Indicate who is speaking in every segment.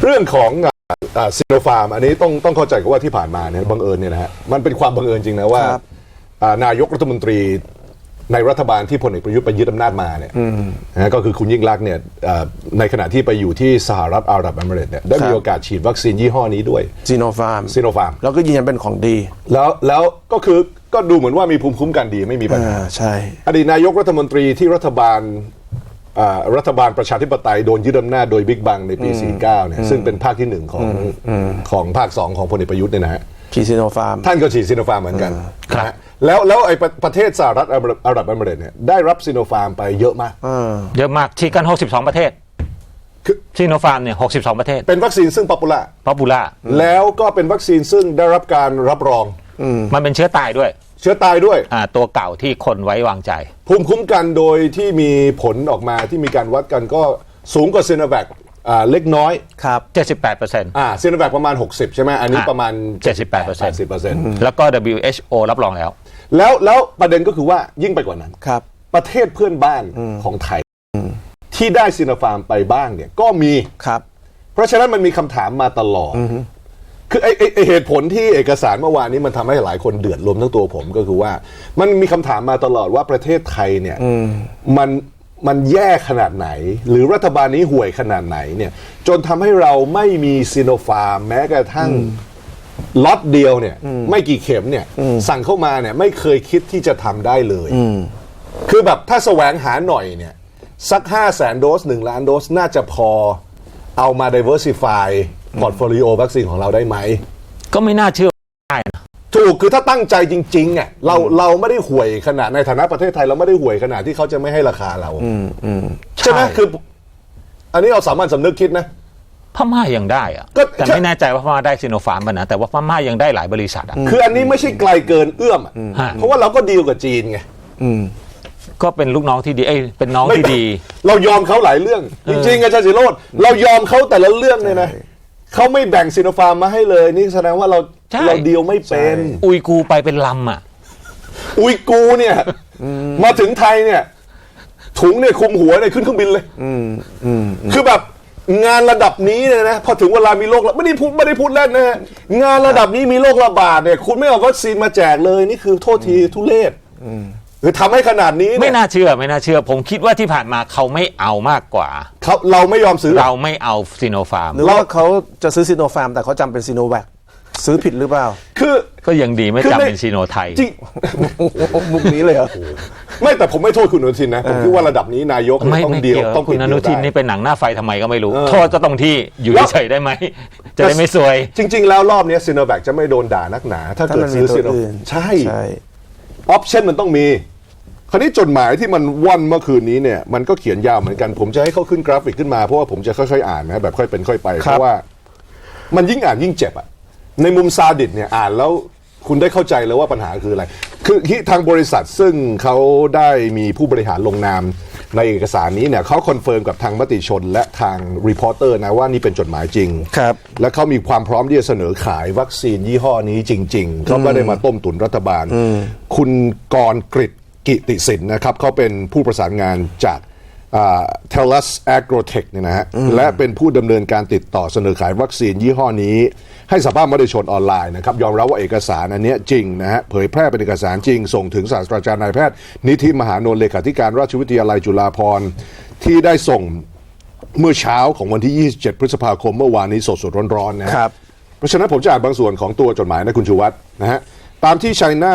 Speaker 1: เรื่องของซิโนฟาร์มอันนี้ต้องเข้าใจกันว่าที่ผ่านมาเนี่ยบังเอิญเนี่ยนะฮะมันเป็นความบังเอิญจริงนะว่านายกรัฐมนตรีในรัฐบาลที่พลเอกประยุทธ์ไปยึดอำนาจมาเนี่ยนะก็คือคุณยิ่งลักษณ์เนี่ยในขณะที่ไปอยู่ที่สหรัฐอาหรับเอมิเรตส์เนี่ยได้มีโอกาสฉีดวัคซีนยี่ห้อนี้ด้วย
Speaker 2: ซีโนฟาร์มแล้วก็ยืนยันเป็นของดี
Speaker 1: แล้วก็ดูเหมือนว่ามีภูมิคุ้มกันดีไม่มีปัญหา
Speaker 2: ใช่
Speaker 1: อดีตนายกรัฐมนตรีที่รัฐบาลประชาธิปไตยโดนยึดอำนาจโดยบิ๊กบังในปี 49 เนี่ยซึ่งเป็นภาคที่ 1 ของภาค 2 ของพลเอกประยุทธ์เนี่ยนะฮะ
Speaker 2: ฉีดซีโนฟาร์ม
Speaker 1: ท่านก็ฉีดซีโนฟาร์มเหมือนกันนะแล้วไอ้ประเทศสหรัฐอาหรับเอมิเรตส์เนี่ยได้รับซีโนฟาร์มไปเยอะมาก
Speaker 3: ฉีดกัน62ประเทศซีโนฟาร์มเนี่ย62ประเทศ
Speaker 1: เป็นวัคซีนซึ่งป๊อปปูล่าแล้วก็เป็นวัคซีนซึ่งได้รับการรับรอง
Speaker 3: มันเป็นเชื้อตายด้วยตัวเก่าที่คนไว้วางใจ
Speaker 1: ภูมิคุ้มกันโดยที่มีผลออกมาที่มีการวัดกันก็สูงกว่าซีโนแวคเล็กน้อย
Speaker 3: ครับ 78%
Speaker 1: ซีโนแวคประมาณ60ใช่ไหมอันนี้ประมาณ
Speaker 3: 80%แล้วก็ WHO รับรอง
Speaker 1: แล้วประเด็นก็คือว่ายิ่งไปกว่านั้น
Speaker 2: ครับ
Speaker 1: ประเทศเพื่อนบ้านของไทยที่ได้ซีโนฟาร์มไปบ้างเนี่ยก็มี
Speaker 2: ครับ
Speaker 1: เพราะฉะนั้นมันมีคำถามมาตลอดคือไอเหตุผลที่เอกสารเมื่อวานนี้มันทำให้หลายคนเดือดรวมทั้งตัวผมก็คือว่ามันมีคำถามมาตลอดว่าประเทศไทยเนี่ยมันแย่ขนาดไหนหรือรัฐบาลนี้ห่วยขนาดไหนเนี่ยจนทำให้เราไม่มีซีโนฟาร์มแม้กระทั่งล็อตเดียวเนี่ยไม่กี่เข็มเนี่ยสั่งเข้ามาเนี่ยไม่เคยคิดที่จะทำได้เลยคือแบบถ้าแสวงหาหน่อยเนี่ยสัก 500,000 โดส 1 ล้านโดสน่าจะพอเอามา diversify พอร์ตโฟลิโอวัคซีนของเราได้ไหม
Speaker 3: ก็ไม่น่าเชื่อได้นะ
Speaker 1: ถูกคือถ้าตั้งใจจริงๆอ่ะเราไม่ได้ห่วยขนาดในฐานะประเทศไทยเราไม่ได้ห่วยขนาดที่เขาจะไม่ให้ราคาเราใช่ไหมคืออันนี้เราสามัญสำนึกคิดนะ
Speaker 3: พม่ายังได้อะแต่ไม่แน่ใจว่าพม่าได้ซิโนฟาร์มป่ะนะแต่ว่าพม่ายังได้หลายบริษัทอ่ะ
Speaker 1: คืออันนี้ไม่ใช่ไกลเกินเอื้อมเพราะว่าเราก็ดีลกับจีนไง
Speaker 3: ก็เป็นลูกน้องที่ดีเป็นน้องที่ดี
Speaker 1: เรายอมเขาหลายเรื่องจริงๆอาจารย์ศิโรจน์เรายอมเขาแต่ละเรื่องเลยนะเขาไม่แบ่งซีโนฟาร์มมาให้เลยนี่แสดงว่าเราดีลไม่เป็น
Speaker 3: อุยกูไปเป็นลำอ่ะ
Speaker 1: อุยกูเนี่ยมาถึงไทยเนี่ยถุงเนี่ยคุมหัวเนี่ยขึ้นเครื่องบินเลยคือแบบงานระดับนี้เนี่ยนะพอถึงเวลามีโรคไม่ได้พูดเล่นนะฮะงานระดับนี้มีโรคระบาดเนี่ยคุณไม่เอาวัคซีนมาแจกเลยนี่คือโทษทีทุเรศคือทำให้ขนาดนี้
Speaker 3: ไม่น่าเชื่อผมคิดว่าที่ผ่านมาเขาไม่เอามากกว่า
Speaker 1: เราไม่ยอมซื้อ
Speaker 3: เราไม่เอาซีโนฟาร์ม
Speaker 2: หรือว่าเขาจะซื้อซีโนฟาร์มแต่เขาจำเป็นซีโนแวคซื้อผิดหรือเปล่า
Speaker 1: คือ
Speaker 3: ก็ยังดีไม่จำเป็นซีโนไทย
Speaker 1: จริง
Speaker 2: มุกนี้เลยเหรอ
Speaker 1: ไม่แต่ผมไม่โทษคุณอนุทินนะผมคิดว่าระดับนี้นายกต้องเดียวต้อง
Speaker 3: คุณอนุทินนี่เป็นหนังหน้าไฟทำไมก็ไม่รู้โทษจะตรงที่อยู่เฉยได้ไหมจะได้ไม่ซวย
Speaker 1: จริงๆแล้วรอบนี้ซีโนแวคจะไม่โดนด่านักหนาถ้าเกิดซื้อซีโนใช่ออปชั่นมันต้องมีคราวนี้จดหมายที่มันว่อนเมื่อคืนนี้เนี่ยมันก็เขียนยาวเหมือนกันผมจะให้เขาขึ้นกราฟิกขึ้นมาเพราะว่าผมจะค่อยๆอ่านนะแบบค่อยเป็นค่อยไปเพราะว่ามันยิ่งอ่านยิ่งเจ็บอ่ะในมุมซาดิสเนี่ยอ่านแล้วคุณได้เข้าใจแล้วว่าปัญหาคืออะไรคือทางบริษัทซึ่งเขาได้มีผู้บริหารลงนามในเอกสารนี้เนี่ยเขาคอนเฟิร์มกับทางมติชนและทางรีพอร์เตอร์นะว่านี่เป็นจดหมายจริง
Speaker 2: ครับ
Speaker 1: และเขามีความพร้อมที่จะเสนอขายวัคซีนยี่ห้อนี้จริงๆเขาไม่ได้มาต้มตุ๋นรัฐบาลคุณกรกฤษกิติสินนะครับเขาเป็นผู้ประสานงานจากTellus Agrotech เนี่ยนะฮะและเป็นผู้ดำเนินการติดต่อเสนอขายวัคซีนยี่ห้อนี้ให้สัมภาษณ์มติชนออนไลน์นะครับยอมรับว่าเอกสารอันนี้จริงนะฮะเผยแพร่เป็นเอกสารจริงส่งถึงศาสตราจารย์นายแพทย์นิธิมหานนท์เลขาธิการราชวิทยาลัยจุฬาภรณ์ที่ได้ส่งเมื่อเช้าของวันที่27พฤษภาคมเมื่อวานนี้สดๆร้อนๆนะครับเพราะฉะนั้นผมจะอ่านบางส่วนของตัวจดหมายนะคุณชูวัฒน์นะฮะตามที่ China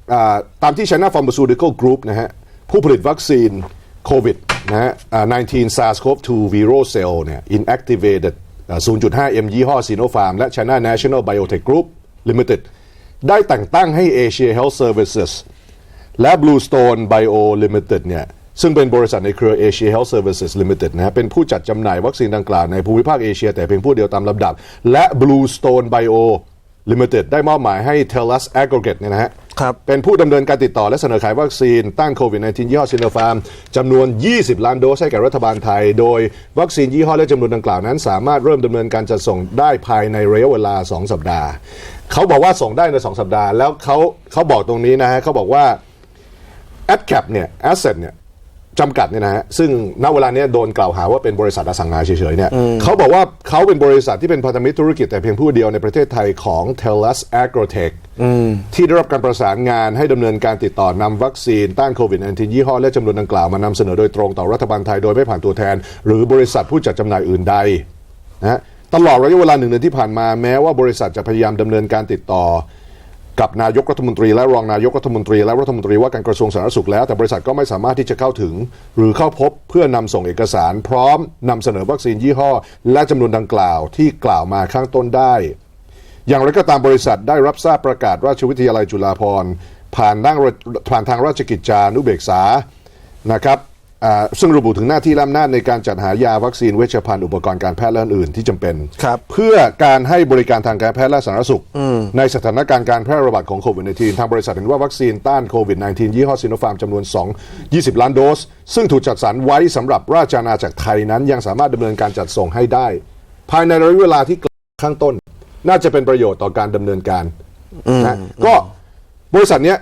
Speaker 1: Pharmaceutical Group นะฮะผู้ผลิตวัคซีนโควิดนะฮะ19 SARS-CoV-2 Viral Cell เนี่ย Inactivated 0.5 m ยี่ห้อ Sinopharm และ China National Biotech Group Limited ได้แต่งตั้งให้ Asia Health Services และ Bluestone Bio Limited เนี่ยซึ่งเป็นบริษัทในเครือ Asia Health Services Limited นะฮะเป็นผู้จัดจำหน่ายวัคซีนดังกล่าวในภูมิภาคเอเชียแต่เพียงผู้เดียวตามลำดับและ Bluestone Bio Limited ได้มอบหมายให้ Tellus Agrotech เนี่ยนะฮะเป็นผู้ดำเนินการติดต่อและเสนอขายวัคซีนต้านโควิด -19 ยี่ห้อซิโนฟาร์มจำนวน20ล้านโดสให้แก่รัฐบาลไทยโดยวัคซีนยี่ห้อและจำนวนดังกล่าวนั้นสามารถเริ่มดำเนินการจัดส่งได้ภายในระยะเวลา2สัปดาห์เขาบอกว่าส่งได้ใน2สัปดาห์แล้วเขาบอกตรงนี้นะฮะเขาบอกว่า AdCap เนี่ย Asset เนี่ยจำกัดเนี่ยนะฮะซึ่งณเวลาเนี้ยโดนกล่าวหาว่าเป็นบริษัทอสังหาเฉยๆเนี่ยเขาบอกว่าเขาเป็นบริษัทที่เป็นพันธมิตรธุรกิจแต่เพียงผู้เดียวในประเทศไทยของ TELUS Agrotech ที่ได้รับการประสานงานให้ดำเนินการติดต่อนำวัคซีนต้านโควิด -19 ยี่ห้อและจำนวนดังกล่าวมานำเสนอโดยตรงต่อรัฐบาลไทยโดยไม่ผ่านตัวแทนหรือบริษัทผู้จัดจำหน่ายอื่นใดนะตลอดระยะเวลา1 เดือนที่ผ่านมาแม้ว่าบริษัทจะพยายามดำเนินการติดต่อกับนายกรัฐมนตรีและรองนายกรัฐมนตรีและรัฐมนตรีว่าการกระทรวงสาธารณสุขแล้วแต่บริษัทก็ไม่สามารถที่จะเข้าถึงหรือเข้าพบเพื่อนำส่งเอกสารพร้อมนำเสนอวัคซีนยี่ห้อและจำนวนดังกล่าวที่กล่าวมาข้างต้นได้อย่างไรก็ตามบริษัทได้รับทราบประกาศราชวิทยาลัยจุฬาภรณ์ผ่านทางราชกิจจานุเบกษานะครับซึ่งระบุถึงหน้าที่และอำนาจในการจัดหายาวัคซีนเวชภัณฑ์อุปกรณ์การแพทย์และอื่นที่จำเป็นเพื่อการให้บริการทางการแพทย์และสาธารณสุขในสถานการณ์การแพร่ระบาดของโควิด -19 ทางบริษัทเห็นว่าวัคซีนต้านโควิด -19 ยี่ห้อซิโนฟาร์มจำนวน 20 ล้านโดสซึ่งถูกจัดสรรไว้สำหรับราชอาณาจักรไทยนั้นยังสามารถดำเนินการจัดส่งให้ได้ภายในระยะเวลาที่กล่าวข้างต้นน่าจะเป็นประโยชน์ต่อการดำเนินการนะก็บริษัทเนี้ย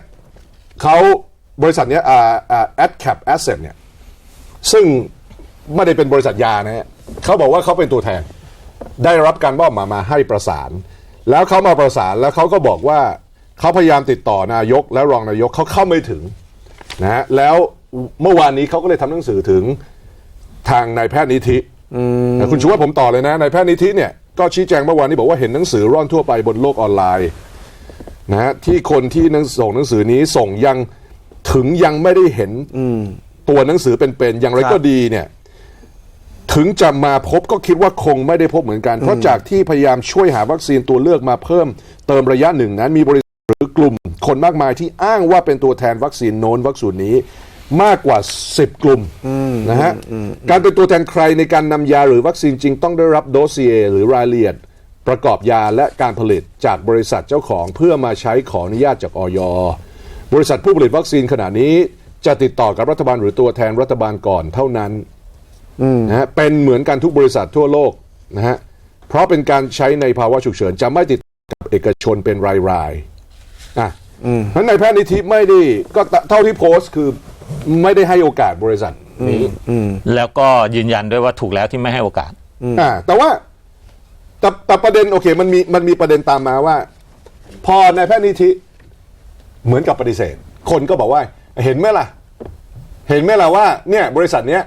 Speaker 1: AdCap Asset เนี่ยซึ่งไม่ได้เป็นบริษัทยานะฮะเขาบอกว่าเขาเป็นตัวแทนได้รับการมอบหมายมาให้ประสานแล้วเขามาประสานแล้วเขาก็บอกว่าเขาพยายามติดต่อนายกและรองนายกเขาเข้าไม่ถึงนะฮะแล้วเมื่อวานนี้เขาก็เลยทำหนังสือถึงทางนายแพทย์นิธิคุณชูว่าผมต่อเลยนะนายแพทย์นิธิเนี่ยก็ชี้แจงเมื่อวานนี้บอกว่าเห็นหนังสือร่อนทั่วไปบนโลกออนไลน์นะฮะที่คนที่ส่งหนังสือนี้ส่งยังไม่ได้เห็นตัวหนังสือเป็นอย่างไรก็ดีเนี่ยถึงจะมาพบก็คิดว่าคงไม่ได้พบเหมือนกันเพราะจากที่พยายามช่วยหาวัคซีนตัวเลือกมาเพิ่มเติมระยะหนึ่งนั้นมีบริษัทหรือกลุ่มคนมากมายที่อ้างว่าเป็นตัวแทนวัคซีนโน้นวัคซีนนี้มากกว่า10 กลุ่มนะฮะการเป็นตัวแทนใครในการนำยาหรือวัคซีนจริงต้องได้รับโดสเซียหรือรายละเอียดประกอบยาและการผลิตจากบริษัทเจ้าของเพื่อมาใช้ขออนุญาตจากอย.บริษัทผู้ผลิตวัคซีนขณะนี้จะติดต่อกับรัฐบาลหรือตัวแทนรัฐบาลก่อนเท่านั้นนะฮะเป็นเหมือนกันทุกบริษัททั่วโลกนะฮะเพราะเป็นการใช้ในภาวะฉุกเฉินจะไม่ติดกับเอกชนเป็นรายๆนั้นนายแพทย์นิธิไม่ได้ก็เท่าที่โพสต์คือไม่ได้ให้โอกาสบริษัทนี้
Speaker 3: แล้วก็ยืนยันด้วยว่าถูกแล้วที่ไม่ให้โอกาส
Speaker 1: แต่ว่าแต่ประเด็นโอเคมันมีประเด็นตามมาว่าพอนายแพทย์นิธิเหมือนกับปฏิเสธคนก็บอกว่าเห็นไหมล่ะว่าเนี่ยบริษัทเนี้ย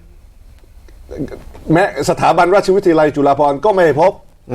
Speaker 1: แม้สถาบันราชวิทยาลัยจุฬาภรณ์ก็ไม่พบ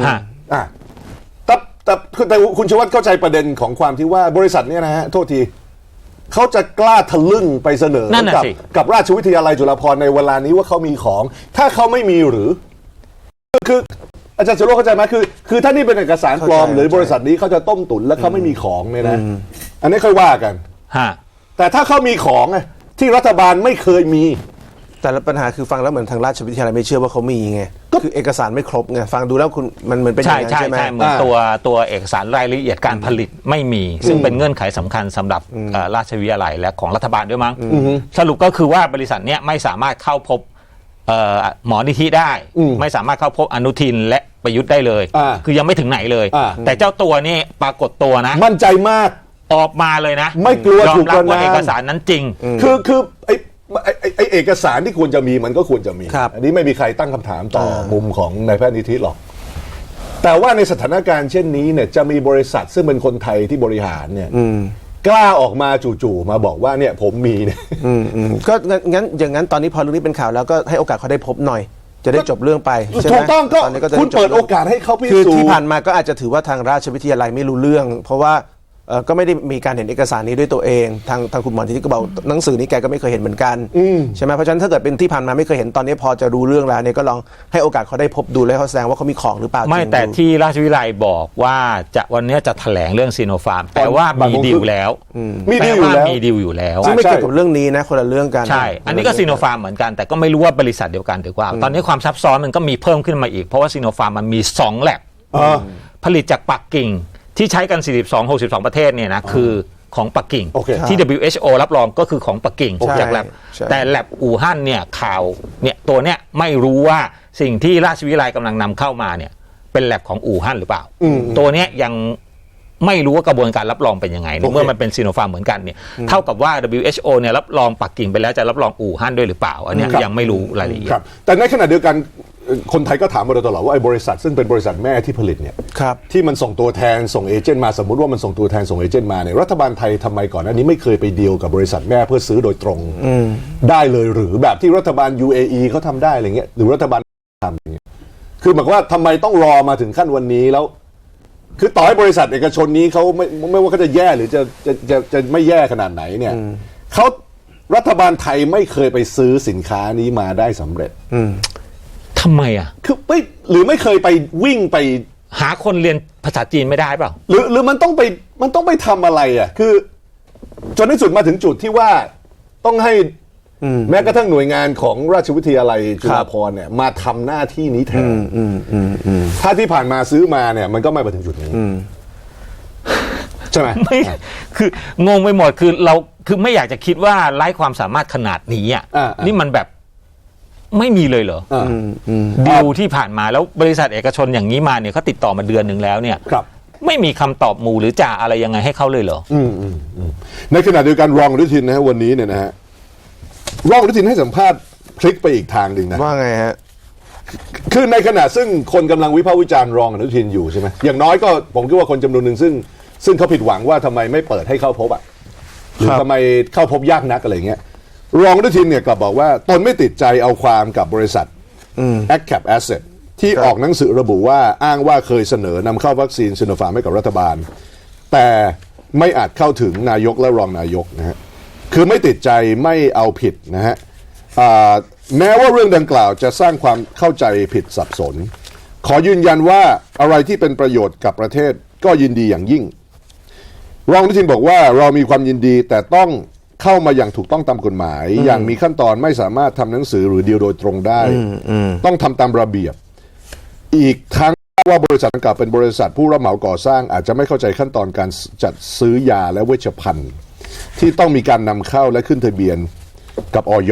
Speaker 1: แต่คุณชวัฒน์เข้าใจประเด็นของความที่ว่าบริษัทเนี้ยนะฮะโทษทีเขาจะกล้าทะลึ่งไปเสนอกับราชวิทยาลัยจุฬาภรณ์ในเวลานี้ว่าเขามีของถ้าเขาไม่มีหรือคืออาจารย์สุโรจน์เข้าใจไหมคือถ้านี่เป็นเอกสารปลอมหรือบริษัทนี้เขาจะต้มตุ๋นแล้วเขาไม่มีของเนี่ยนะอันนี้ค่อยว่ากันแต่ถ้าเขามีของที่รัฐบาลไม่เคยมี
Speaker 2: แต่ปัญหาคือฟังแล้วเหมือนทางราชวิทยาลัยไม่เชื่อว่าเขามีไงก็คือเอกสารไม่ครบไงฟังดูแล้วคุณมันเหมือนเป็นอย่างนั้นใช่ไหม
Speaker 3: เหมือนตัวเอกสารรายละเอียดการผลิตไม่มีซึ่งเป็นเงื่อนไขสำคัญสำหรับราชวิทยาลัยและของรัฐบาลด้วยมั้งสรุปก็คือว่าบริษัทเนี้ยไม่สามารถเข้าพบหมอนิธิได้ไม่สามารถเข้าพบอนุทินและประยุทธ์ได้เลยคือยังไม่ถึงไหนเลยแต่เจ้าตัวนี่ปรากฏตัวนะ
Speaker 1: มั่นใจมาก
Speaker 3: ออกมาเลยนะ
Speaker 1: ไม่กลัวถูก
Speaker 3: ประณามว่าเอกสารนั้นจริง
Speaker 1: คือไอเอกสารที่ควรจะมีมันก็ควรจะมีอันนี้ไม่มีใครตั้งคำถามต่อมุมของนายแพทย์นิธิหรอกแต่ว่าในสถานการณ์เช่นนี้เนี่ยจะมีบริษัทซึ่งเป็นคนไทยที่บริหารเนี่ยกล้าออกมาจู่ๆมาบอกว่าเนี่ยผมมีเนี่ย
Speaker 2: ก็งั้นอย่างนั้นตอนนี้พอเรื่องนี้เป็นข่าวแล้วก็ให้โอกาสเขาได้พบหน่อยจะได้จบเรื่องไป
Speaker 1: ถูกต้องก็คุณเปิดโอกาสให้เขาพิสูจน์
Speaker 2: คือที่ผ่านมาก็อาจจะถือว่าทางราชวิทยาลัยไม่รู้เรื่องเพราะว่าก็ไม่ได้มีการเห็นเอกสารนี้ด้วยตัวเองทางคุณหมอที่ก็บอกหนังสือนี้แกก็ไม่เคยเห็นเหมือนกันใช่ไหมเพราะฉะนั้นถ้าเกิดเป็นที่ผ่านมาไม่เคยเห็นตอนนี้พอจะรู้เรื่องแล้วเนี่ยก็ลองให้โอกาสเขาได้พบดูแล้วเขาแสดงว่าเขามีของหรือเปล่า
Speaker 3: ไม่แต่ที่ราชวิทยาลัยบอกว่าวันนี้จะแถลงเรื่องซีโนฟาร์มแต่ว่ามีดีลแล้ว
Speaker 1: มีดีล
Speaker 3: อยู่แล้ว
Speaker 2: ซึ่งไม่เกี่ยวกับเรื่องนี้นะคนละเรื่องกัน
Speaker 3: ใช่อันนี้ก็ซีโนฟาร์มเหมือนกันแต่ก็ไม่รู้ว่าบริษัทเดียวกันหรือเปล่าตอนนี้ความซับซ้อนมันก็มีเพิ่มขึ้นมาอีกเพราะว่าซีโนฟาร์มมันมี2แลบผลิตจากปักกิ่งที่ใช้กัน62-62ประเทศเนี่ยนะคือของปักกิ่งที่ WHO รับรองก็คือของปักกิ่งจากแลบแต่แลบอู่ฮั่นเนี่ยข่าวเนี่ยตัวเนี้ยไม่รู้ว่าสิ่งที่ราชวิทยาลัยกำลังนำเข้ามาเนี่ยเป็นแลบของอู่ฮั่นหรือเปล่าตัวเนี้ยยังไม่รู้ว่ากระบวนการรับรองเป็นยังไงเมื่อมันเป็นซีโนฟาร์มเหมือนกันเนี่ยเท่ากับว่า WHO เนี่ยรับรองปักกิ่งไปแล้วจะรับรองอู่ฮั่นด้วยหรือเปล่าอันนี้ยังไม่รู้รายละเอียด
Speaker 1: แต่ในขณะเดียวกันคนไทยก็ถามมาโดยตลอดว่าไอ้บริษัทซึ่งเป็นบริษัทแม่ที่ผลิตเนี่ยที่มันส่งตัวแทนส่งเอเจนต์มาสมมุติว่ามันส่งตัวแทนส่งเอเจนต์มาเนี่ยรัฐบาลไทยทำไมก่อนหน้านี้ไม่เคยไปดีลกับบริษัทแม่เพื่อซื้อโดยตรงได้เลยหรือแบบที่รัฐบาล UAE เขาทำได้อะไรเงี้ยหรือรัฐบาลทำอย่างเงี้ยคือหมายความว่าทำไมต้องรอมาถึงขั้นวันนี้แล้วคือต่อให้บริษัทเอกชนนี้เขาไม่ว่าเขาจะแย่หรือจะไม่แย่ขนาดไหนเนี่ยเขารัฐบาลไทยไม่เคยไปซื้อสินค้านี้มาได้สำเร็จ
Speaker 3: ทำไมอ่ะ
Speaker 1: คือไม่หรือไม่เคยไปวิ่งไป
Speaker 3: หาคนเรียนภาษาจีนไม่ได้เปล่า
Speaker 1: หรือมันต้องไปทำอะไรอ่ะคือจนที่สุดมาถึงจุดที่ว่าต้องให้แม้กระทั่งหน่วยงานของราชวิทยาลัยจุฬาภรณ์เนี่ยมาทำหน้าที่นี้แทนถ้าที่ผ่านมาซื้อมาเนี่ยมันก็ไม่มาถึงจุดนี้ใช่ไหม
Speaker 3: ไม่คืองงไปหมดคือเราคือไม่อยากจะคิดว่าไร้ความสามารถขนาดนี้อ่ะนี่มันแบบไม่มีเลยเหรอดีลที่ผ่านมาแล้วบริษัทเอกชนอย่างนี้มาเนี่ยเขาติดต่อมาเดือนหนึ่งแล้วเนี่ยไม่มีคำตอบหมู่หรือจ่าอะไรยังไงให้เขาเลยเหรอ
Speaker 1: ในขณะเดียวกันรองอนุทินนะฮะวันนี้เนี่ยนะฮะรองอนุทินให้สัมภาษณ์พลิกไปอีกทางหนึ่งนะ
Speaker 2: ว่าไงฮะ
Speaker 1: คือในขณะซึ่งคนกำลังวิพากษ์วิจารณ์รองอนุทินอยู่ใช่ไหมอย่างน้อยก็ผมคิดว่าคนจำนวนหนึ่งซึ่งเขาผิดหวังว่าทำไมไม่เปิดให้เข้าพบอ่ะหรือทำไมเข้าพบยากนักอะไรเงี้ยรองอนุทินเนี่ยกลับบอกว่าตนไม่ติดใจเอาความกับบริษัท AgCap Asset ที่ออกหนังสือระบุว่าอ้างว่าเคยเสนอนำเข้าวัคซีนซิโนฟาร์มให้กับรัฐบาลแต่ไม่อาจเข้าถึงนายกและรองนายกนะฮะคือไม่ติดใจไม่เอาผิดนะฮะแม้ว่าเรื่องดังกล่าวจะสร้างความเข้าใจผิดสับสนขอยืนยันว่าอะไรที่เป็นประโยชน์กับประเทศก็ยินดีอย่างยิ่งรองอนุทินบอกว่าเรามีความยินดีแต่ต้องเข้ามาอย่างถูกต้องตามกฎหมายอย่างมีขั้นตอนไม่สามารถทำหนังสือหรือดีลโดยตรงได้ต้องทำตามระเบียบอีกทั้งว่าบริษัทดังกล่าวเป็นบริษัทผู้รับเหมาก่อสร้างอาจจะไม่เข้าใจขั้นตอนการจัดซื้อยาและเวชภัณฑ์ที่ต้องมีการนำเข้าและขึ้นทะเบียนกับอย.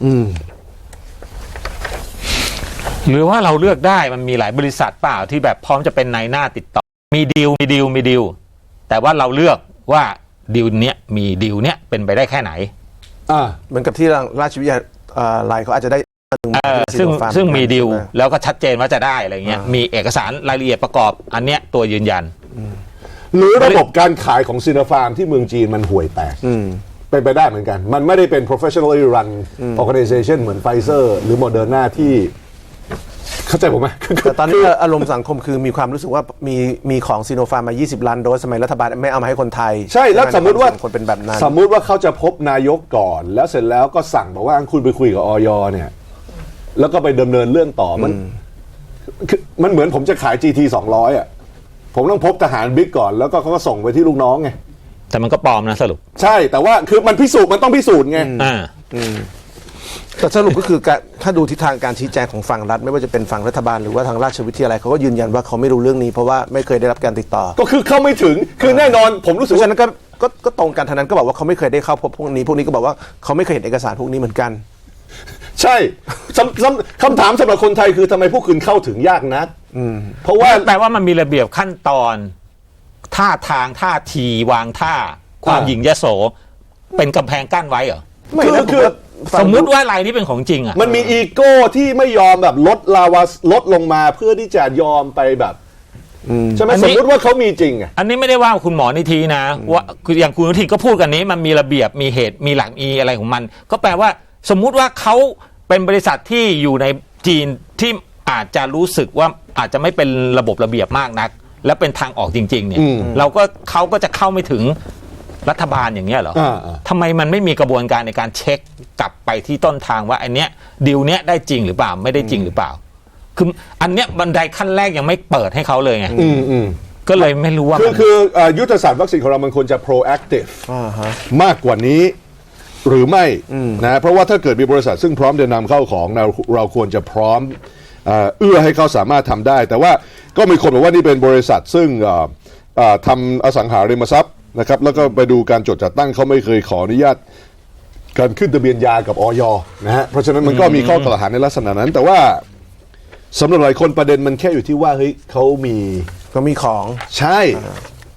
Speaker 3: หรือว่าเราเลือกได้มันมีหลายบริษัทเปล่าที่แบบพร้อมจะเป็นนายหน้าติดต่อมีดีลแต่ว่าเราเลือกว่าดีลเนี้ยมีดีลเนี้ยเป็นไปได้แค่ไหน
Speaker 2: เหมือนกับที่ราชวิทยาลัยเขาอาจจะได้
Speaker 3: ซึ่งมีดีลแล้วก็ชัดเจนว่าจะได้อะไรเงี้ยมีเอกสารรายละเอียดประกอบอันเนี้ยตัวยืนยัน
Speaker 1: หรือระบบการขายของซิโนฟาร์มที่เมืองจีนมันห่วยแตกเป็นไปได้เหมือนกันมันไม่ได้เป็น professionally run organization เหมือนไฟเซอร์หรือโมเดอร์นาที่เข้าใจผมไหม
Speaker 2: แต่ตอนนี้อารมณ์สังคมคือมีความรู้สึกว่ามีของซีโนฟาร์มมา20ล้านโดสสมัยรัฐบาลไม่เอามาให้คนไทย
Speaker 1: ใช่แล้วสมมติว่า
Speaker 2: คนเป็นแบบนั้น
Speaker 1: สมมุติว่าเขาจะพบนายกก่อนแล้วเสร็จแล้วก็สั่งบอกว่าคุณไปคุยกับอย.เนี่ยแล้วก็ไปดำเนินเรื่องต่อมันเหมือนผมจะขาย GT 200อ่ะผมต้องพบทหารบิ๊กก่อนแล้วก็เขาก็ส่งไปที่ลูกน้องไง
Speaker 3: แต่มันก็ปลอมนะสรุป
Speaker 1: ใช่แต่ว่าคือมันต้องพิสูจน์ไง
Speaker 2: แต่สรุปก็คือถ้าดูทิศทางการชี้แจงของฝั่งรัฐไม่ว่าจะเป็นฝั่งรัฐบาลหรือว่าทางราชวิทยาลัยเขาก็ยืนยันว่าเขาไม่รู้เรื่องนี้เพราะว่าไม่เคยได้รับการติดต่อ
Speaker 1: ก็คือเข้าไม่ถึงคือแน่นอนผมรู้สึกว่า
Speaker 2: ฉะนั้นก็ตรงกันทางนั้นก็บอกว่าเขาไม่เคยได้เข้าพบพวกนี้ก็บอกว่าเขาไม่เคยเห็นเอกสารพวกนี้เหมือนกัน
Speaker 1: ใช่คำถามสำหรับคนไทยคือทำไมพวกคุณเข้าถึงยากนัก
Speaker 3: เพราะว่าแปลว่ามันมีระเบียบขั้นตอนท่าทางท่าทีวางท่าความหยิ่งยโสเป็นกำแพงกั้นไว้เหรอ
Speaker 2: ไม่คือ
Speaker 3: สมมุติว่ารายนี้เป็นของจริงอ่ะ
Speaker 1: มันมีอีโก้ที่ไม่ยอมแบบลดลงมาเพื่อที่จะยอมไปแบบใช่ไหมสมมติว่าเขามีจริงอ่ะ
Speaker 3: อันนี้ไม่ได้ว่าคุณหมอนิธินะว่าคืออย่างคุณอนุทินก็พูดกันนี้มันมีระเบียบมีเหตุมีหลักมีอะไรของมันก็แปลว่าสมมุติว่าเขาเป็นบริษัทที่อยู่ในจีนที่อาจจะรู้สึกว่าอาจจะไม่เป็นระบบระเบียบมากนักและเป็นทางออกจริงๆเนี่ยเขาก็จะเข้าไม่ถึงรัฐบาลอย่างเงี้ยเหรอทำไมมันไม่มีกระบวนการในการเช็คกลับไปที่ต้นทางว่าอันเนี้ยดีลเนี้ยได้จริงหรือเปล่าไม่ได้จริงหรือเปล่าคืออันเนี้ยบันไดขั้นแรกยังไม่เปิดให้เขาเลยไงก็เลยไม่รู้ว่า
Speaker 1: คือยุทธศาสตร์วัคซีนของเรามันควรจะ proactive มากกว่านี้หรือไม่นะเพราะว่าถ้าเกิดมีบริษัทซึ่งพร้อมจะนำเข้าของเราควรจะพร้อมเอื้อให้เขาสามารถทำได้แต่ว่าก็มีคนบอกว่านี่เป็นบริษัทซึ่งทำอสังหาริมทรัพย์นะครับแล้วก็ไปดูการจดจัดตั้งเขาไม่เคยขออนุญาตการขึ้นทะเบียนยากับอย.นะฮะเพราะฉะนั้นมันก็มีข้อกล่าวหาในลักษณะนั้นแต่ว่าสำหรับหลายคนประเด็นมันแค่อยู่ที่ว่าเฮ้ยเขามี
Speaker 2: ของ
Speaker 1: ใช่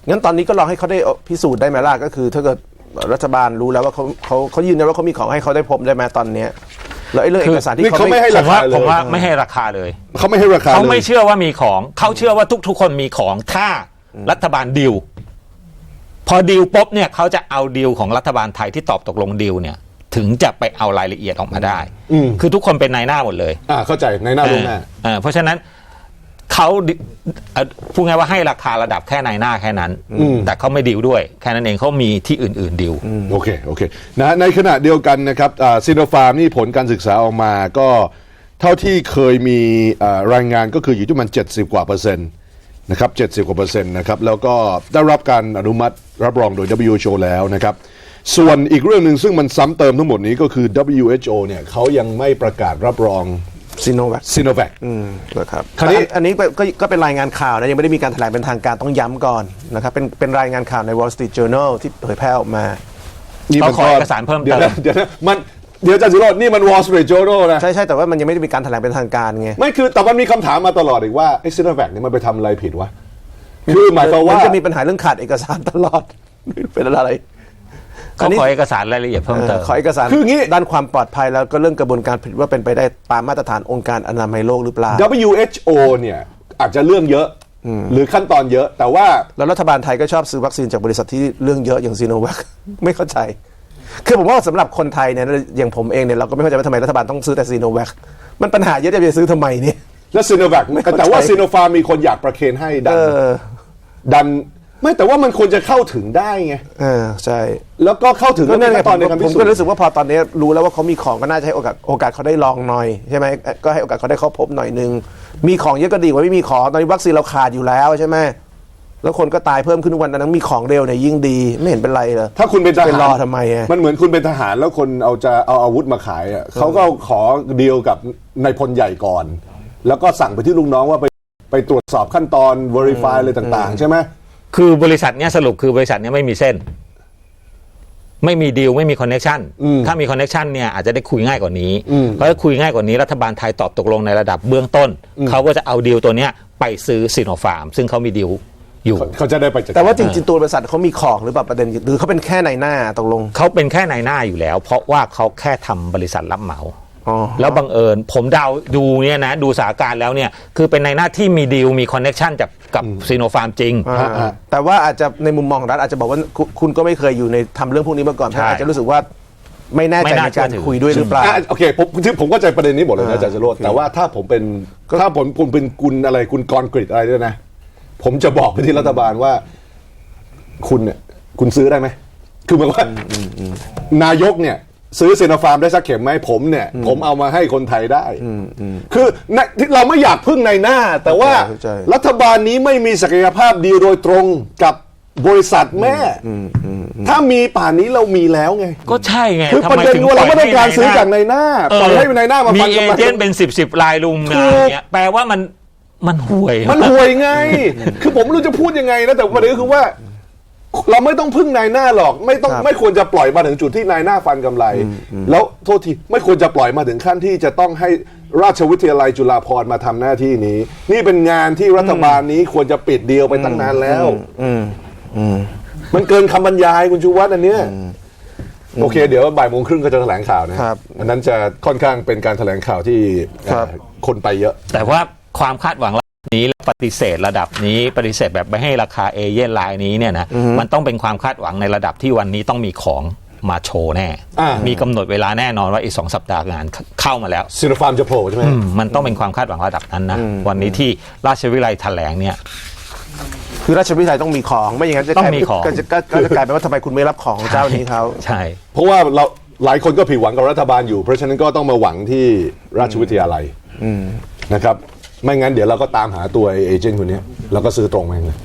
Speaker 2: งั้นตอนนี้ก็ลองให้เขาได้พิสูจน์ได้ไหมล่ะก็คือถ้าเกิดรัฐบาลรู้แล้วว่าเขายืนยันว่าเขามีของให้เขาได้พบได้ไหมตอนเนี้ยแล้วไอ้เรื่องเอกสารที่
Speaker 1: นี่
Speaker 2: เขา
Speaker 1: เขาไม่
Speaker 2: ไม่
Speaker 1: ให้
Speaker 3: ผ
Speaker 1: ราม
Speaker 3: ว่า
Speaker 1: คาเลย
Speaker 3: ผมว่าไม่ให้ราคาเลย
Speaker 1: เขาไม่ให้ราคา
Speaker 3: เขา
Speaker 1: เล
Speaker 3: ไม่
Speaker 1: ย
Speaker 3: เชื่อว่ามีของเขาเชื่อว่าทุกๆคนมีของถ้ารัฐบาลดีลพอดีลปุ๊บเนี่ยเขาจะเอาดีลของรัฐบาลไทยที่ตอบตกลงดีลเนี่ยถึงจะไปเอารายละเอียดออกมาได้คือทุกคนเป็นนายหน้าหมดเลย
Speaker 1: เข้าใจในหน้าลงหน้า
Speaker 3: เพราะฉะนั้นเขาพูดง่ายว่าให้ราคาระดับแค่นายหน้าแค่นั้นแต่เขาไม่ดีลด้วยแค่นั้นเองเขามีที่อื่นๆดีล
Speaker 1: โอเคนะในขณะเดียวกันนะครับซิโนฟาร์มนี่ผลการศึกษาออกมาก็เท่าที่เคยมีรายงานก็คืออยู่ที่มัน70 กว่าเปอร์เซ็นต์นะครับ70 กว่าเปอร์เซ็นต์นะครับแล้วก็ได้รับการอนุมัติรับรองโดย WHO แล้วนะครับส่วนอีกเรื่องหนึ่งซึ่งมันซ้ำเติมทั้งหมดนี้ก็คือ WHO เนี่ยเขายังไม่ประกาศรับรอง
Speaker 2: ซีโนแวค
Speaker 1: ซิโนแวค
Speaker 2: นะครับ
Speaker 1: คราวนี้
Speaker 2: อันนี้ก็เป็นรายงานข่าวนะยังไม่ได้มีการแถลงเป็นทางการต้องย้ำก่อนนะครับเป็นรายงานข่าวใน Wall Street Journal ที่เผยแพร่ออกมา
Speaker 3: ต้องขอเอกสารเพิ่มเติม
Speaker 1: เดี๋ยวอาจารย์สิโรจน์นี่มัน Wall Street Journal นะ
Speaker 2: ใช่แต่ว่ามันยังไม่ได้มีการแถลงเป็นทางการไง
Speaker 1: ไม่คือแต่มันมีคำถามมาตลอดอีกว่าไอ้ซิโนแวคนี่มันไปทำอะไรผิดวะคือหมายความว่า
Speaker 2: นจะมีปัญหาเรื่องขาดเอกสารตลอด เป็นอะไร
Speaker 3: เขาขอเอกสารรายละเอียดเพิ่มเติม
Speaker 2: ขอเอกสาร
Speaker 1: คืองี้
Speaker 2: ด้านความปลอดภัยแล้วก็เรื่องกระบวนการผลิตว่าเป็นไปได้ตามมาตรฐานองค์การอนามัยโลกหรือเปล่า
Speaker 1: WHO เนี่ยอาจจะเรื่องเยอะหรือขั้นตอนเยอะแต่ว่า
Speaker 2: แล้วรัฐบาลไทยก็ชอบซื้อวัคซีนจากบริษัทที่เรื่องเยอะอย่างซีโนแวค ไม่เข้าใจ คือผมว่าสำหรับคนไทยเนี่ยอย่างผมเองเนี่ยเราก็ไม่เข้าใจว่าทำไมรัฐบาลต้องซื้อแต่ซีโนแวคมันปัญหาเยอะจะไปซื้อทำไมเนี่ย
Speaker 1: แล้วซิโนแวคแต่ว่าซิโนฟาร์มมีคนอยากประเคนให้ดันไม่แต่ว่ามันควรจะเข้าถึงได้ไง
Speaker 2: ใช่
Speaker 1: แล้วก็เข้าถึง
Speaker 2: ก็นั่นไง
Speaker 1: ขั้นตอนในการพิ
Speaker 2: ผม
Speaker 1: สูจ
Speaker 2: ก็
Speaker 1: น์
Speaker 2: รู้สึกว่าพอตอนนี้รู้แล้วว่าเขามีของก็น่าจะให้โอกาสเขาได้ลองหน่อยใช่ไหมก็ให้โอกาสเขาได้เข้าพบหน่อยนึงมีของเยอะก็ดีกว่าไม่มีของตอนนี้วัคซีนเราขาดอยู่แล้วใช่ไหมแล้วคนก็ตายเพิ่มขึ้นทุกวันนั้นมีของเร็วเนี่ยยิ่งดีไม่เห็นเป็นไรเลย
Speaker 1: ถ้าคุณเป็นทหาร
Speaker 2: ไปรอทำไมอะ
Speaker 1: มันเหมือนคุณเป็นทหารแล้วคนเอาอาวุธมาขายอะเขาก็ขอดีลกับนายพลใหญ่ก่อน แล้วก็สั่งไปที่ลูกน้องว่าไปตรวจสอบขั้นตอน verify อะไรต่างๆใช่ไหม
Speaker 3: คือบริษัทเนี้ยสรุปคือบริษัทเนี้ยไม่มีเส้น ไม่มีดีลไม่มีคอนเนคชั่นถ้ามีคอนเนคชั่นเนี่ยอาจจะได้คุยง่ายกว่านี้เพราะถ้าคุยง่ายกว่านี้รัฐบาลไทยตอบตกลงในระดับเบื้องต้นเขาก็จะเอาดีลตัวเนี้ยไปซื้อซิโนฟาร์มซึ่งเขามีดีลอยู่
Speaker 1: เขาจะได้ไปจัดการ
Speaker 2: แต่ว่าจริงๆตัวบริษัทเขามีของหรือเปล่าประเด็นหรือเขาเป็นแค่ในหน้าตกลง
Speaker 3: เขาเป็นแค่นายหน้าอยู่แล้ว เพราะว่าเขาแค่ทำบริษัทรับเหมา
Speaker 2: อ๋อ
Speaker 3: แล้วบังเอิญผมเดาดูเนี่ยนะดูสถานการณ์แล้วเนี่ยคือเป็นนายหน้าที่มีดีลมีคอนเนคชั่นกับซีโนฟาร์มจริง
Speaker 2: แต่ว่าอาจจะในมุมมองของรัฐอาจจะบอกว่าคุณก็ไม่เคยอยู่ในทำเรื่องพวกนี้มาก่อน
Speaker 3: ใช่
Speaker 2: อาจจะรู้สึกว่าไม่แน่ใจ
Speaker 3: ไม่น่า
Speaker 2: ในการ
Speaker 3: เชื่อถือ
Speaker 2: คุยด้วยหรือเปล่า
Speaker 1: โอเคผมเข้าใจประเด็นนี้หมดเลยนะอาจารย์จรดแต่ว่าถ้าผมเป็นคุณกรกฤษอะไรด้วยนะ ผมจะบอกไปที่รัฐบาลว่า คุณเนี่ยคุณซื้อได้ไหมคือหมายว่านายกเนี่ยซื้อซีโนฟาร์มได้สักเข็มไหมผมเนี่ยผมเอามาให้คนไทยได้คือเราไม่อยากพึ่งในหน้า แต่ว่า
Speaker 2: เข้าใจ
Speaker 1: รัฐบาลนี้ไม่มีศักยภาพดีลโดยตรงกับบริษัทแม่ถ้ามีป่านนี้เรามีแล้วไง
Speaker 3: ก็ใช่ไง
Speaker 1: คือ
Speaker 3: ทำ
Speaker 1: ประ
Speaker 3: ไม
Speaker 1: เด็น
Speaker 3: ถึง
Speaker 1: ว่าเราไม่ต้องการซื้อ
Speaker 3: ปล่
Speaker 1: จากในหน้าปล่อยให้ในหน้ามา
Speaker 3: มี
Speaker 1: ฟัน
Speaker 3: เอก
Speaker 1: ำไร
Speaker 3: เจนต์เป็นสิบรายลุม
Speaker 1: ถู
Speaker 3: มาก อย่างเงี้ยแปลว่ามันห่วย
Speaker 1: มันห่วยไง คือผมไม่รู้จะพูดยังไงนะแต่ประเด็นก็คือว่า เราไม่ต้องพึ่งนายหน้าหรอกไม่ควรจะปล่อยมาถึงจุดที่นายหน้าฟันกำไร แล้วโทษทีไม่ควรจะปล่อยมาถึงขั้นที่จะต้องให้ราชวิทยาลัยจุฬาภรณ์มาทำหน้าที่นี้ นี่เป็นงานที่รัฐบาลนี้ควรจะปิดดีลไปตั้งนานแล้วมันเกินคำบรรยายคุณชูวัฒน์อันเนี้ยโอเค เดี๋ยวบ่ายโมงครึ่งก็จะแถลงข่าวนะครับ อันนั้นจะค่อนข้างเป็นการแถลงข่าวที่
Speaker 2: ครับ
Speaker 1: คนไปเยอะ
Speaker 3: แต่ว่าความคาดหวังระดับนี้และปฏิเสธระดับนี้ปฏิเสธแบบไม่ให้ราคาเอเย่นรายนี้เนี่ยนะมันต้องเป็นความคาดหวังในระดับที่วันนี้ต้องมีของมาโชว์แน่ มีกำหนดเวลาแน่นอนว่าอีก2 สัปดาห์งานเข้ามาแล้ว
Speaker 1: ซีโนฟาร์มจะโผล่ใช่ไหม
Speaker 3: มันต้องเป็นความคาดหวังระดับนั้นนะวันนี้ที่ราชวิทยาลัยแถลงเนี่ย
Speaker 2: คือราชวิทยาลัยต้องมีของไม่อย่างนั้นจะ
Speaker 3: ต้องมีของ
Speaker 2: ก็จะกลายเป็นว่าทำไมคุณไม่รับของเจ้านี้เขา
Speaker 3: ใช่
Speaker 1: เพราะว่าเราหลายคนก็ผิดหวังกับรัฐบาลอยู่ เพราะฉะนั้นก็ต้องมาหวังที่ราชวิทยาลัยนะครับไม่งั้นเดี๋ยวเราก็ตามหาตัวเอเจนต์คนนี้แล้วก็ซื้อตรงมาเลย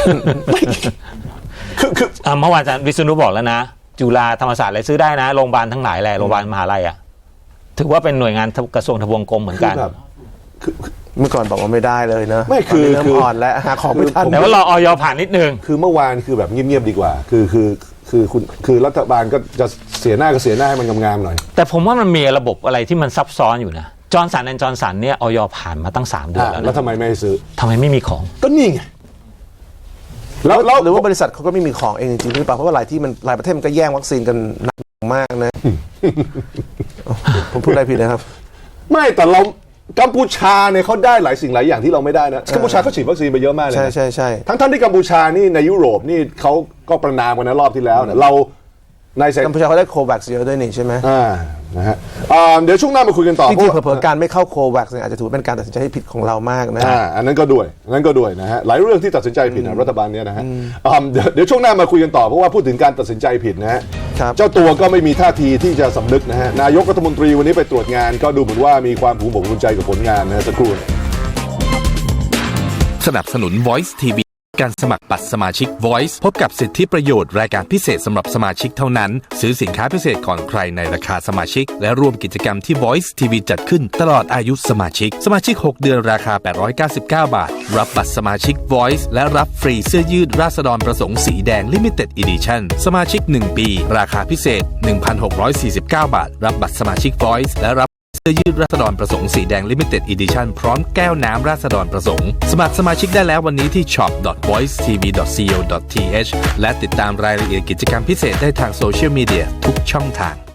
Speaker 1: คือ
Speaker 3: เมื่อวานอาจารย์วิษณุบอกแล้วนะจุฬาธรรมศาสตร์อะไรซื้อได้นะโรงพยาบาลทั้งหลายแหละโรงพยาบาลมหาลัยอ่ะถือว่าเป็นหน่วยงานกระทรวงทบวงกรมเหมือนกัน
Speaker 1: แบบ
Speaker 2: เมื่อก่อนบอกว่าไม่ได้เลยเนอะ
Speaker 1: ไม่คือ
Speaker 2: ตนนี้เริ่มอ่อนแล้วหาของไม่ทัน
Speaker 3: แต่ว่ารอออยผ่านนิดนึง
Speaker 1: คือเมื่อวานคือแบบเงียบๆดีกว่าคือรัฐบาลก็จะเสียหน้าก็เสียหน้าให้มันงามๆหน่อย
Speaker 3: แต่ผมว่ามันมีระบบอะไรที่มันซับซ้อนอยู่นะจอร์นสันแอนด์จอร์นสันเนี่ยออยผ่านมาตั้ง3 เดือนแล้ว
Speaker 1: แล้ว
Speaker 3: นะ
Speaker 1: ทำไมไม่ให้ซื้อ
Speaker 3: ทำไมไม่มีของ
Speaker 1: ก็นี่ไงแล้ว
Speaker 2: หรือว่าบริษัทเขาก็ไม่มีของเองจริงๆหรือเปล่าเพราะว่าหลายประเทศมันก็แย่งวัคซีนกันหนักมากนะ ผมพูดอะไรผิดนะครับ
Speaker 1: ไม่แต่เรากัมพูชาเนี่ยเขาได้หลายสิ่งหลายอย่างที่เราไม่ได้นะกัมพูชาเขาฉีดวัคซีนไปเยอะมากเลยนะ
Speaker 2: ใช่
Speaker 1: ทั้งที่กัมพูชานี่ในยุโรปนี่เขาก็ประนามกันนะรอบที่แล้วเนี่ยเราในเซ
Speaker 2: กัมพูชาเขาได้โควัคเยอะด้วยนี่ใช่ไหม
Speaker 1: นะฮะเดี๋ยวช่วงหน้ามาคุยกันต่อ
Speaker 2: จริงๆเผลอๆการไม่เข้าโควัคเนี่ยอาจจะถือเป็นการตัดสินใจที่ผิดของเรามากนะ
Speaker 1: อันนั้นก็ด้วยนะฮะหลายเรื่องที่ตัดสินใจผิดนะรัฐบาลเนี้ยนะฮะเดี๋ยวช่วงหน้ามาคุยกันต่อเพราะว่าพูดถึงการตัดสินใจผิดนะฮะ
Speaker 2: ครับ
Speaker 1: เจ้าตัวก็ไม่มีท่าทีที่จะสำนึกนะฮะนายกรัฐมนตรีวันนี้ไปตรวจงานก็ดูเหมือนว่ามีความภูมิอกภูมิใจกับผลงานนะฮะสักครู่
Speaker 4: สนับสนุน Voice TV การสมัครบัตรสมาชิก Voice พบกับสิทธิประโยชน์รายการพิเศษสำหรับสมาชิกเท่านั้น ซื้อสินค้าพิเศษก่อนใครในราคาสมาชิก และร่วมกิจกรรมที่ Voice TV จัดขึ้นตลอดอายุสมาชิก สมาชิก 6 เดือนราคา 899 บาท รับบัตรสมาชิก Voice และรับฟรีเสื้อยืดราษฎรประสงค์สีแดง Limited Edition สมาชิก 1 ปี ราคาพิเศษ 1,649 บาท รับบัตรสมาชิก Voice และรับเสื้อยืดราษฎรประสงค์สีแดง Limited Edition พร้อมแก้วน้ำราษฎรประสงค์สมัครสมาชิกได้แล้ววันนี้ที่ shop.voicetv.co.th และติดตามรายละเอียดกิจกรรมพิเศษได้ทางโซเชียลมีเดียทุกช่องทาง